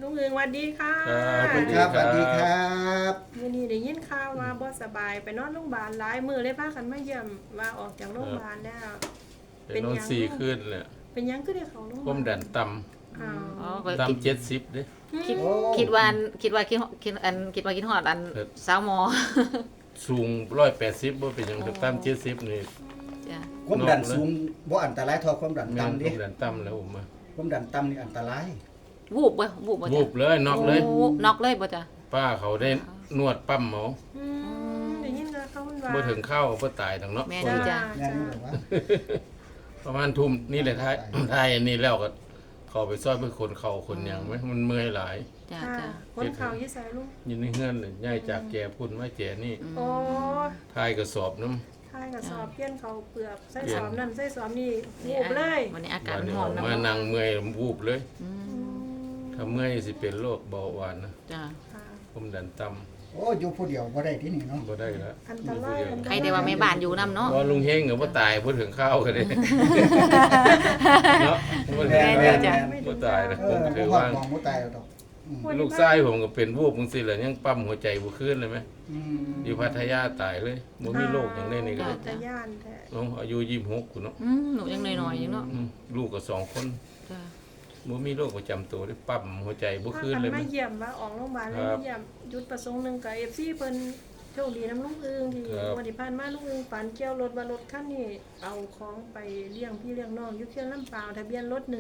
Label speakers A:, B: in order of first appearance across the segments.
A: ลุงเอิงสวัสดีค่ะ
B: ครับสวัสดีครับ
A: มื้อนี้ได้ยินข่าวว่าบ่สบายไปนอนโรงพยาบาลหลายมื้อเลยพากันมาเยี่ยมว่าออกจากโรงพยาบาลแล้ว
C: เป็นนอน4คืนแหละ
A: เป็นหยังคือได้เข้าโรงพยา
C: ควา
A: บาม ล
C: ดันต่
A: อ้าว
D: อ๋อ
C: ำ
D: ก็
C: ต่ำ70เด้
D: คิด
B: โอ้
D: คิดว่าคิดฮอดอันสาวหมอ
C: สูง180บ่เป็นหยังต่ำ70นี่
D: จ้ะ
B: ความดันสูงบ่อันตรายเท่าความดัน
C: แม่น
B: ต่ำ
C: ค
B: ดิ
C: วามดันต่ำแล้วผมมา
B: ความดันต่ำนี่อันตราย
D: วูบบ่วูบบ่
C: วูบเลยน็อกเลย
D: โอ้น็อกเลยบ่จ้ะ
C: ป้าเขาได้นวดปั๊มหมอ
A: ได้ยินข่าวเขาว่า
C: บ่ถึงเข้าบ่ตายดอกเนาะ
D: แม่
C: คน
D: น
C: ละ
D: จ้ะ
B: แม่นบ่ว่า
C: ประมาณทุ่มนี่แหละท้ายอันนี้แล้วก็เข้าไปซอยไปคนเข่าคนหยังไหมมันเมื่อยหลาย
D: จ้ะ
A: ค่ะ
D: จ้ะ
A: คนข่าวยี่ใส่ลุง
C: อยู่ในเฮือนเลยย้ายจากแก่พุ่นมาแก่นี่
A: โอ้
C: ท้ายกระสอบน้
A: ทายกับสอบเปลี่ยนเขาเปลือกใส่
C: เปลี่ย
A: ส
C: น
A: อบนั่นใส่สอบนี่
D: นี่
A: วูบเลย
D: วันนี้อา
C: ำ
D: กาศ
C: วันนี้
D: ร้อ
C: อน อก
D: นะ
C: มานั่งเมื่อยวูบเลย
D: อืม
C: ถ้าเมื่อยสิเป็นโรคเบาหวานนะ
D: จ้ะ
A: ค่ะ
C: ความดันต่
B: โอ้อยู่ผู้เดียวบ่ได้ที่นี่เนาะ
C: ำบ่ได้แล้ว
A: อันตรายอันตราย
D: ใครได้ว่าแม่บ้านอยู่นํเนาะ
C: เพราะลุงเฮงก็บ่ตายบ่ถึงข้าวกันเลยเนาะบ่ถึง
D: แม่นจ้ะ
C: บ่ตายนะ
B: เอ
C: ผม
B: อ
C: ก็ถื
B: บ่
C: อ
B: ฮอด
C: ว่า
B: มองบ่ตายดอกอืม
C: ลูกชายผมก็เป็นวูบจังซี่แหละยังปั๊มหัวใจบ่คืนเลยไหม
B: อืม
C: อยู่พัทยาตายเลยบ่มีโรคหยังได้นี่ก็
A: ตะย่านแท้
C: น้องอายุ26กูเนาะ
D: หนูยังน้อยๆอยู่เนาะ
C: ลูกก็2 คน
D: จ้ะ
C: บ่มีโรคประจำตัวได้ปั๊มหัวใจบ่
A: พา
C: คืน
A: กัน
C: เลยไหม
A: มาเยี่ยมว่าออกโรงพยาบาลแล้ว
C: ครับ
A: มาเยี่ยมจุดประสงค์หนึงกับ FC เพิ่นโชคดีน้ำลุงอึงที่
C: ครับ
A: วันที่ผ่านมาลุงอึงฝันเกี่ยวรถว่ารถคันนี้เอาของไปเลี้ยงพี่เลี้ยงน้องอยู่เคียงลำปาวทะเบียนรถ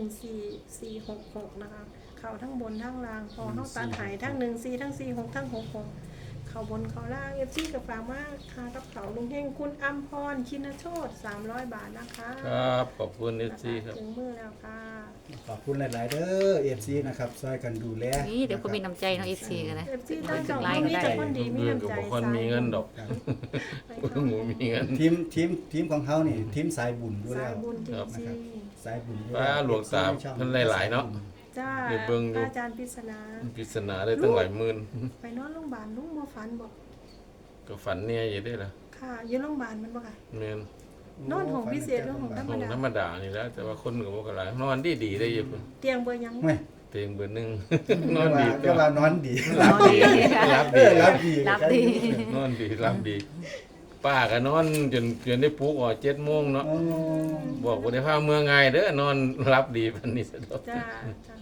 A: 14466นะคะเข้าทั้งบนทั้งล่างพอเฮาตัดหายทั้ง14ทั้ง46ทั้ง66เข้าบนเข้าล่าง FC ก็ฝากมาค่ากับเขาลุงเฮงคุณอัมพรชินโชต300 บาทนะคะ
C: ครับขอบคุณ FC ครับ
A: ถึงมือแล้วค่ะ
B: ขอบคุณหลาย ๆ เด้อ FC นะครับช่วยกันดูแล
D: นี่เดี๋ยวคนมีน้ำใจเนาะ FC กันนะ
A: FC ตั้งใจ
D: ไลน์ก็
A: มี
D: ได้
A: แต่คนดีมี
C: เรื่อง
A: น้ำ
C: ก็
A: ใจ
C: บ่ค่อยมีเงินดอก
B: ครับ
C: หมูมีเงิน
B: ทีมของเขานี่ทีมสายบุญอยู่
A: สา
B: แล้
A: ยว บุญจ
C: ครับ
A: ริง
B: สายบุญอยู่
C: ป้าหลวงตาเพิ่นหลายๆเนาะ
A: ๆจ้า
C: เดี๋ยวเบิ่งดู
A: อาจารย์ปริศนา
C: ปริศนาได้ตั้งหลายหมื่น
A: ไปนอนโรงพยาบาลลุงบ่ฝันบอก
C: ก็ฝันเนี่ยอยู่ได้ล่ะ
A: ค่ะอยู่โรงพยาบาลมันบ่ค่ะ
C: แม่น
A: นอนห้องพิเศษหรือห้องธรรม
C: ของ
A: ดา
C: ธรรมดานี่แหล้วแต่ว่าคนก็บ่ก็หลายนอนดีๆได้อยู่พุ่น
A: เตียงเบอร์หยัง
B: เว้ย
C: เตียงเบอร์หนึ่ง น
B: น
C: อนดี
B: ก็ว่านอนดี
C: รับดีรับ
B: เอ
C: ดี
B: อรับดี
D: รับดี
C: นอนดีรับดี ป้าก็นอนจนได้ปลุกออก7 โมงเนาะ
B: โอ้
C: บอกว่าได้พาเมืองไงายเด้อนอนรับดีปานนี้ซะดอก
A: จ้าจ้า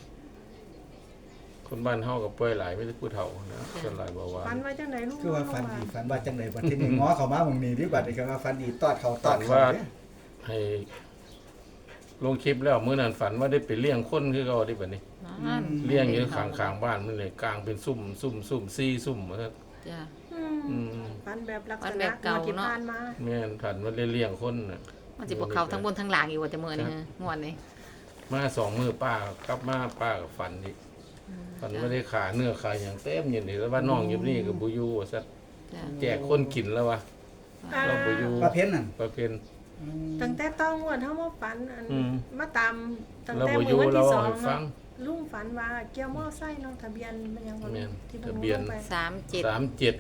C: คนบ้านเฮาก็ป่วยหลายไม่ได้ผู้เฒ่านะส่วนหลายเบาหวา
A: ฝั
C: น
A: นว่าจังไดลุง
B: คือว่าฟัน
A: โรงพ
B: ดี
A: ยาบาล
B: ฟันว่าจังไดบัดที่นี่ง้อเข้ามาหม่องนี้ดีกว่าที่คือว่าฟันดีตอดเขาตอดเขา
C: ว่า
B: เนี่ย
C: ให้ลงคลิปแล้วมื้อนั้นฝันว่าได้ไปเลี้ยงคนคือเก่าที่บัดนี้
D: นั่น
C: เลี้ยงอยู่ข้างๆบ้านมันเลยกลางเป็นซุ่ม4 ซุ่มว่าซั่น
D: จ้ะ
A: อืมฝันแบบลักษ
D: ฝัน
A: ณะ
D: แบบเก่า
A: ที่
D: เนาะ
A: ผ่านมา
C: แม่นฝันว่าได้เลี้ยงคนน่ะ
D: มันสิบ่เข้าทั้งบนทั้งล่างอีกว่าจะมื้อนี้ฮะม่วนนี่
C: มา2 มื้อป้ากลับมาป้าก็ฝันอีกฝันว่าได้ขาเนื้อขาหยังเต็มอยู่นี่แล้วว่าน้องอยู่นี่ก็บ่อยู่ว่าซั่น
D: จ้ะ
C: แจกคนกินแล้ววะ
A: อ่า
C: เราบ่อยู่
B: ประเภทนั้น
C: ประเพณ
A: ตั้งแต่ต้องงวดเฮามาฝันอัน
C: อืม
A: มาตามตั้ง
C: เรา
A: แต่
C: บ่อ
A: มื้
C: ยู่
A: อวัน
C: เรา
A: ที่ส
C: เอา
A: อง
C: ให้ฟั
A: เนาะ
C: ง
A: ลุงฝันว่าเกี่ยวมอไซค์เนาะทะเบียนมันยังบ่
C: แม่
A: รู้
C: น
A: ที่
C: ทะเบียน
D: 3765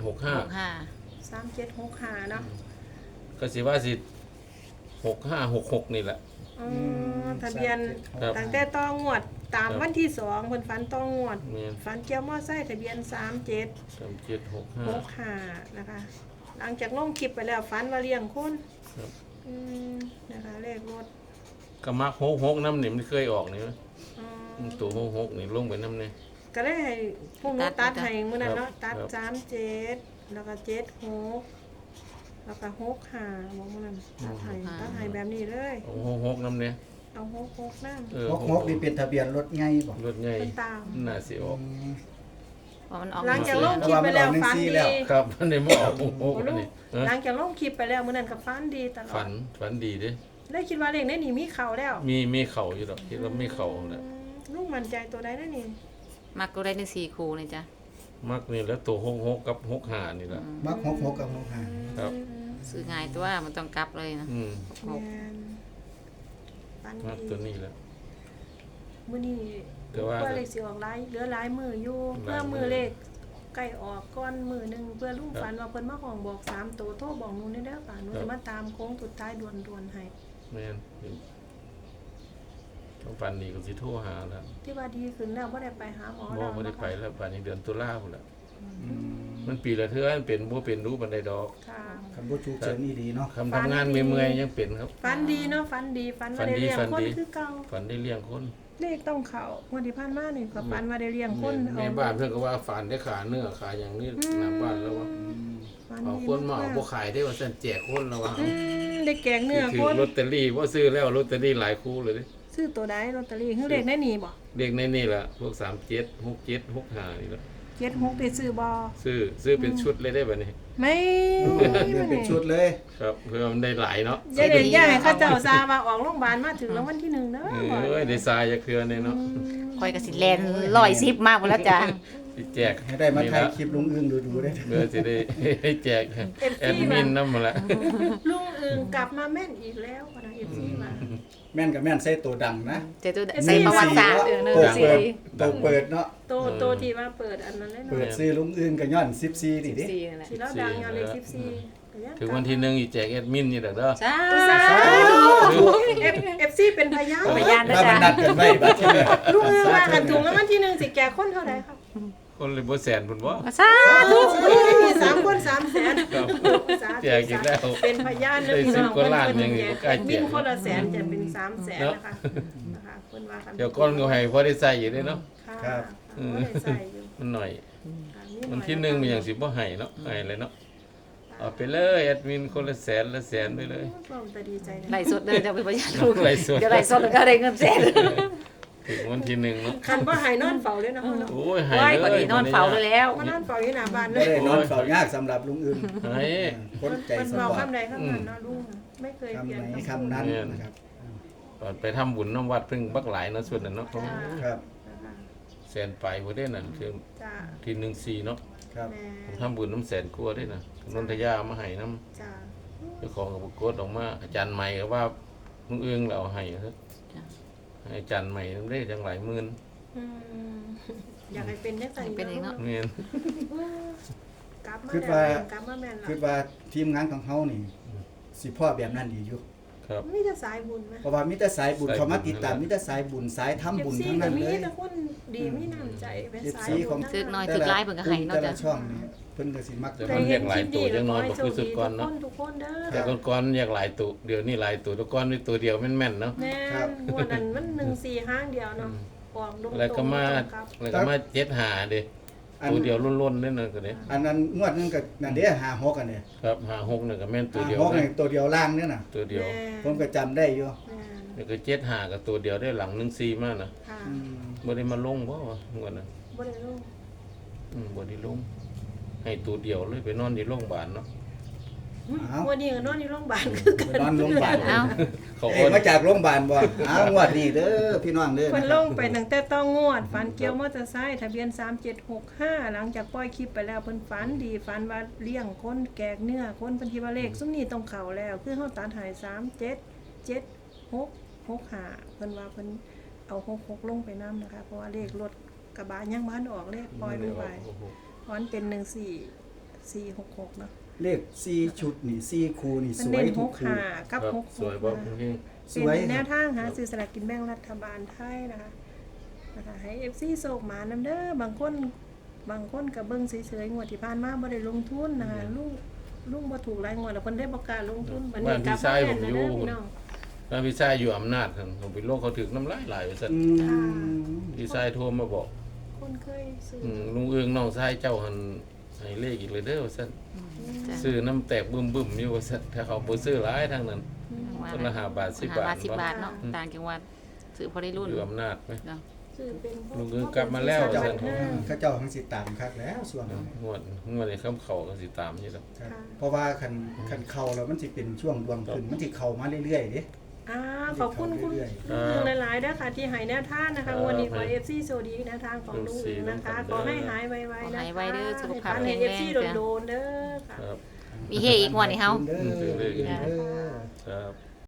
A: 3765เนาะ
C: ก็สิว่าสิ6566นี่แหละ
A: อ๋อทะเบียน
C: ครับ
A: ตั้งแต่ต้องงวดตาม
C: ครับ
A: วันที่2เพิ่นฝันต้องงวด
C: แม่น
A: ฝันเกี่ยวมอไซค์ทะเบียน
C: 3765
A: 3765นะคะ หลังจากลงคลิปไปแล้วฝันว่าเลี้ยงคน
C: ครับ
A: อืมนะคะเลขรถ
C: ก็มัก66นำนี่มันเคยออกนี่มั้ย
A: อ๋อ
C: ตัว66นี่ลงไปนำนี่
A: ก็เลยให้พวกหนู้ตัดให้มื้อนั้น
C: ครับ
A: เนาะตัด
C: ครับ
A: 37แล้วก็76แล้วก็65บ่มื้อนั้นตัดให้แบบนี้เลย
C: เอา66นำนี่
A: เอา66นำ
C: เออ
B: ฮกนี่เป็นทะเบียนรถไงบ่
C: รถใหญ่
A: เป็นตาม
C: น่าสิออก
D: ว่ามันออก
A: หลังจากลง
D: เ
A: คลิปไปแล้ว
B: แต่ว่ามันออก
A: ฝัน
B: 1-4
A: ดี
B: แล้ว
C: ครับมันได้มาออก66อันนี้เออ
A: หลังจากลงคลิปไปแล้วมื้อนั้นก็ฝันดีตลอ
C: ฝั
A: ด
C: นดีเด้
A: เลยคิดว่าเลขในนี่มีเข้าแล้ว
C: มีเข่าอยู่ดอกคิดว่ามีเข่าแหละ
A: ลูกมั่นใจตัวใดนั่นนี่
D: มักก็ได้ใน4คู่นี่จ้ะ
C: มักนี่แล้วตัว66กับ65นี่ล่ะ
B: มักฮกกับฮกหา
C: ครับ
D: ซื้อง่ายตัวมันต้องกลับเลยนะ
C: อืม
A: แม่นฝัน
C: มัก
A: ดี
C: ตัวนี้แหละ
A: มื้อนี้
C: แต่ว่า
A: เลขสิออกหลายเหลือหลายมืออยู่
C: หลายมื้อ
A: เพื่อมือเลขใกล้ออกก่อนมือหนึงเพื่อลุงฝันว่าเพิ่นมาห้องบอก3ตัวโทรบอกหนูนี่เด้อค่ะหนูจะมาตามโค้งสุดท้ายด่วนๆให้
C: แม่นต้องฝันดีก็สิโทรหาแล้ว
A: ที่ว่าดีขึ้นแล้วบ่ได้ไปหาหมอ
C: บ่
A: แล้ว
C: บ่ได้ไป
A: นะคะ
C: แล้วป่านนี้เดือนตุลาพุ่นแล้ว
B: อืม
C: มันปีละเทื่อมันเป็นบ่เป็นรู้ปานใดดอก
A: ค่ะ
B: คันบ่ฉุกเฉินนี่ดีเนาะ
C: คำทำงานเมื่อยๆยังเป็นครับ
A: ฝันดีเนาะฝันดีฝันว่าได้เลี้ยง
C: ฝัน
A: คน
C: ดี
A: คือเก่า
C: ฝันได้เลี้ยงคน
A: เลขต้องเข้างวดที่ผ่านมานี่ก็ฝันว่าได้เลี้ยงคน
C: แม่บ้านเพิ่นก็ว่าฝันได้ขาเนื้อขาอย่างนี้หน้าบ้านแล้วว่า
A: ฝัน
C: เอา
A: ดี
C: คนมาเอา
A: ก
C: บ่ขายได้ว่าซั่นแจกคนแล้วว่า
A: ได้แกงเนื้อ
C: ถื
A: ค
C: อน ลอตเตอรี่บ่ซื้อแล้วลอตเตอรี่หลายคู่เลยเด้
A: ซื้อตัวใดลอตเตอรี่คือเลขได้นี่บ่
C: เด็กในนี่ล่ะพวก37 67 65นี่ล่ะ
A: 76ได้ซื้อบ่
C: ซื้อเป็นชุดเลยได้บัดนี้
A: ไม่
B: เดินเป็นชุดเลย
C: ครับเพื่อมันได้หลายเนาะ
A: อย่าเด็ดอย่าให้เขาเจ้าซาว่าออกโรงพยาบาลมาถึงรางวัลที่1เด้อ
C: เอ้ยได้ทรายจักเทื่อเนี่ยเนาะ
D: คอยก็สิแลน110มากพุ่นแล้วจ้ะ
C: สิแจก
B: ให้ได้มาถ่ายคลิปลุงอึ้งดูๆได้
C: เมื่อสิได้ให้แจกแอดมินนำมาละ
A: ลุงอึงกลับมาแม่นอีกแล้วพนัก FC มา
B: แม่นกับแม่นใส่ตัวดังนะ
D: เจ้าตัวใส่ประวัติศาสตร์
B: ตัว
D: เออ
B: เปิด
D: 14
B: ตัวเปิดเนาะ
A: โตที่ว่าเปิดอันนั้นเลย
B: เปิ
A: เนาะ
B: ดซื้อลุงอึ้งก็ย้อน14นี่ดิ
D: 14นั่นแหละ
A: สิแล้วดังยาวเลข14ก็ยัง
C: ถึงวันที่1อีแจกแอดมินนี่ดอกเด้อ
D: สา
A: สา
D: ธุ
A: ธุ FC เป็นพยาน
D: พยาน
B: ถ้ามันนัดกันไว้บัดที่นี่
A: ลุงอึงว่ากันถุงแล้ววันที่1สิแก่คนเท่าใดครับ
C: คนเลยบ่แสนพุ่นบ่
D: สาธุ
A: มี3คน3แสน
C: ครับ แจกอีกแล้ว
A: เป็นพยานเด้อพี่น้อง
C: ได้10กว่าล้านยังอยู่ใกล้แจก
A: มีคนละแสนจะเป็น3แสนนะคะเพิ่นว่ากัน
C: เดี๋ยวก่อนก็ให้พอได้ใส่อยู่เด้เนาะ
A: ครับบ่ได้ใส่อยู่
C: มันหน่อย
A: ค่ะ
C: วันที่1มันยังสิบ่ให้เนาะให้เลยเนาะเอาไปเลยแอดมินคนละแสนละแสนไปเลย
A: เราแต่ดีใจนะ
D: ไล่สดเดินจะเป็นพยานลูก
C: ไล่สด
D: เดี๋ยวไล่สดแล้วก็ได้เงินแสน
C: ถึงวันที่1เนาะ
A: คันบ่ให้นอนเฝ้าเลยนะเฮาเนาะ
C: โอ้ยให้
D: ไว้
C: เลย
D: ก่อนนี้นอนเฝ้าเลยแล้ว
A: มานอนเฝ้าอยู่หน้าบ้านเล
B: บ่
A: ย
B: ได้นอนเฝ้ายากสำหรับลุงอึ้ง
C: ให้
B: คนใจ
A: มัน
B: ส
A: เมา
B: ปอร์ต
A: คำใดคำนั้นเนาะลุงไม่เคยเปลี่ยน
B: คำไหนคำนั้นนะครับ
C: ก่อนไปทำบุญน้ำวัดเพิ่งบักหลายเนาะส่วนนั้นเนาะ
A: จ้า
B: ครับ
A: นะคะ
C: แสนไปบ่ได้นั่นคือ
A: จ้า
C: ที่14เนาะ
B: ครับ
A: แม่
C: ผมทำบุญน้ำแสนกลัวได้นะนนทยามาให้น้
A: จ้า
C: ำเจ้าของกับกดออกมาอาจารย์ใหม่ก็ว่าลุงเอื้องเราเอาให้ครับ
D: จ้ะ
C: ให้อาจารย์ใหม่ได้จังหลายหมื่น
A: อืมอยากให้เป็นจังซั่น
D: เป็นอีกเนาะ
C: เงิน
A: กลับมา
B: คิด
A: แล้ว
B: ว่า
A: กลับมาแม่น
B: คิด
A: แล้ว
B: ว่าทีมงานของเฮานี่สิพ่อแบบนั้นดีอยู่
C: ครับ
A: มีแต่สายบุญไหม
B: เพราะว่ามีแต่สายบุญ
C: สายบุญ
B: เขามาติดตามมีแต่สายบุญสายทำบุญ
A: FC
B: ทั้งนั้น
A: ก็มี
B: เลย
A: แต่คนดีมีน้ำใจเป็นสาย
B: FC ของ
A: บุญ
D: ถึ
A: ทั้
D: ก
A: ง
D: น้อย
A: นั้น
D: ถึกหลายเพิ่นก็ให้เนาะ
B: แต่
D: จ้ะ
B: ละช่องนี่เพิ่นก็สิมัก
C: แต่มันเรียกหลายตัวจังน้อยบ่คือสุดก่อนเนาะ
A: ทุกคนเด้อ
C: แต่ก่อนๆอยากหลายตัวเดี๋ยวนี้หลายตัวแตะก่อนมีตัวเดียวแม่นๆเนาะ
A: แม่นงวดนั้นมัน1-4ห้างเดียวเนาะออกตรงๆ
C: แล้วก็มา
A: ครับ
C: แล้วก็มา7หาเด้
B: อัน
C: ตัวเดียวล้นๆเด้นั่นก็เด้
B: อันนั้นงวดนึงก็นั่นเด้56อันเนี่ย
C: ครับหา6นั่นก็แม่นตัวเดียว
B: 56
C: นะ
B: นี่ตัวเดียวล่างเนี่ยน่ะ
C: ตัวเดียว
B: ผมก็จำได้อยู่
A: แม่น
C: แล้วก็7หาก็ตัวเดียวได้หลัง14มานะ
A: ค่ะ
B: อืม
C: บ่ได้มาลงบ่วะงวดนั้น
A: บ่ได้รู้
C: บ่ได้ลง ให้ตัวเดียวเลยไปนอนที่โรงพยาบาลเนาะ
A: วันนี้ก็นอนอยู่โรงพยาบาลคือ
B: ไปนอนโรงพยาบาล
D: เอ้า
C: เขา
B: เอ้ยมาจากโรงพยาบาลบ่อ้าวงวดนี้เด้อพี่น้องเด้อ
A: เพิ่น
B: นะค
A: ล
B: รับ
A: งไปตั้งแต่ต้องงวดฝันเกี่ยวมอเตอร์ไซค์ทะเบียน3765หลังจากปล่อยคลิปไปแล้วเพิ่นฝันดีฝันว่าเลี้ยงคนแกกเนื้อคนเพิ่นคิดว่าเลขซุมนี้ต้องเข้าแล้ว คือเฮาตัดหาย377665เพิ่นว่าเพิ่นเอา66ลงไปนํนะคะ เพราะว่าเลขรถกระบะยังบ่ทันออกเลขปล่อยลงไปเพราะมันเป็น14466เนาะ
B: เลข4ชุดนี่4คู่นี่
A: มั
B: ส
A: น
B: ว
A: เน้
B: ย
A: น
B: ทุกคู่
A: 65กับ
C: ครับสวยบ่
A: 66
C: พี่
B: สวย
A: เป็นแนวทางหาซื้อสลากกินแบ่งรัฐบาลไทยนะคะให้ FC โศกหมานำเด้อบางคนก็เบิ่งเฉยๆงวดที่ผ่านมาบ่ได้ลงทุนนะคะลุงบ่ถูกหลายงวดแล้วเพิ่นได้บ่กล้าลงทุนบัดนี้กลับมาแม่นแล้วเด้อพี่น้อง
C: แล้วพี่ชายอยู่อำนาจครับผมไปโลกเขาถึกน้ำลายหลายว่าซั่น
B: อืม
C: พี่ชายโทรมาบอก
A: คนเคยซื้อ
C: ลุงเอื้องน้องชายเจ้าหันให้เลขอีกเลยเด้อว่าซั่น
D: จ้ะ
C: ซื้อน้ำแตกบึ้มๆอยู่ว่าซั่นถ้าเขาบ่ซื้อหลายทางนั้น คนละ5 บาท 10 บาท
D: 10 บาทเนาะต่างจังหวัดซื้อพอได้รุ่น
C: อยู่อำนาจไหม
D: เนาะ
A: ซื้อเป็นพว
C: ลุงเอิ้งกลับมาแล้ว
B: เขาเจ้า
A: 5
B: เขาเจ้าทั้งสิตามคักแล้วส่วนนั้น
C: งวดในคำเขาก็สิตามอยู่แล้ว
B: ครับเพราะว่าคันเข้าแล้วมันสิเป็นช่วงดวงขึ้นมันสิเข้ามาเรื่อยๆเด้
A: ขอบคุณคุณ
B: เรื่อย
A: ลุงหลายๆเด้อค่ะที่ให้แนวทางนะคะวันนี้ขอ FC โชคดีแนวทางของลุงเองนะคะขอให้หายไวๆนะคะ
D: หายไวเด้อสุขภาพ
A: ให้
D: แข็งแรง
A: FC
D: จ้ะ
A: โดนๆเด้อค่ะ
C: ครับ
D: มีเฮอีกงวดนี่เฮา
B: เด้อ
C: เด้อ
B: เด้อ
C: ครับ